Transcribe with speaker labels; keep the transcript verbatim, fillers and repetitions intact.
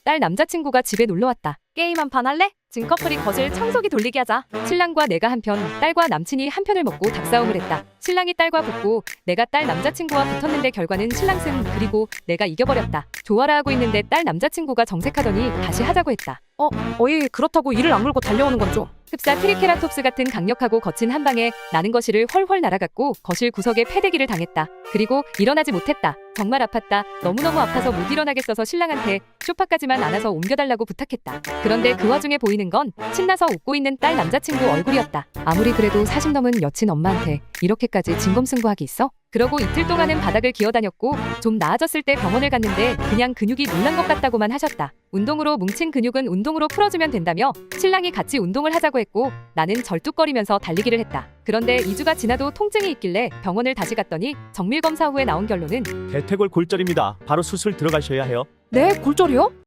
Speaker 1: 딸 남자친구가 집에 놀러왔다. 게임 한 판 할래? 진 커플이 거실 청소기 돌리기 하자. 신랑과 내가 한편, 딸과 남친이 한 편을 먹고 닭싸움을 했다. 신랑이 딸과 붙고 내가 딸 남자친구와 붙었는데 결과는 신랑 승, 그리고 내가 이겨버렸다. 좋아라 하고 있는데 딸 남자친구가 정색하더니 다시 하자고 했다.
Speaker 2: 어, 어이 그렇다고 이를 악물고 달려오는 건 좀.
Speaker 1: 흡사 트리케라톱스 같은 강력하고 거친 한 방에 나는 거실을 훨훨 날아갔고 거실 구석에 패대기를 당했다. 그리고 일어나지 못했다. 정말 아팠다. 너무너무 아파서 못 일어나겠어서 신랑한테 소파까지만 안아서 옮겨달라고 부탁했다. 그런데 그 와중에 보이는 건 신나서 웃고 있는 딸 남자친구 얼굴이었다. 아무리 그래도 사십 넘은 여친 엄마한테 이렇게까지 진검승부하기 있어? 그러고 이틀 동안은 바닥을 기어다녔고 좀 나아졌을 때 병원을 갔는데 그냥 근육이 놀란 것 같다고만 하셨다. 운동으로 뭉친 근육은 운동으로 풀어주면 된다며 신랑이 같이 운동을 하자고 했고 나는 절뚝거리면서 달리기를 했다. 그런데 이 주가 지나도 통증이 있길래 병원을 다시 갔더니 정밀검사 후에 나온 결론은
Speaker 3: 대퇴골 골절입니다. 바로 수술 들어가셔야 해요.
Speaker 2: 네, 골절이요?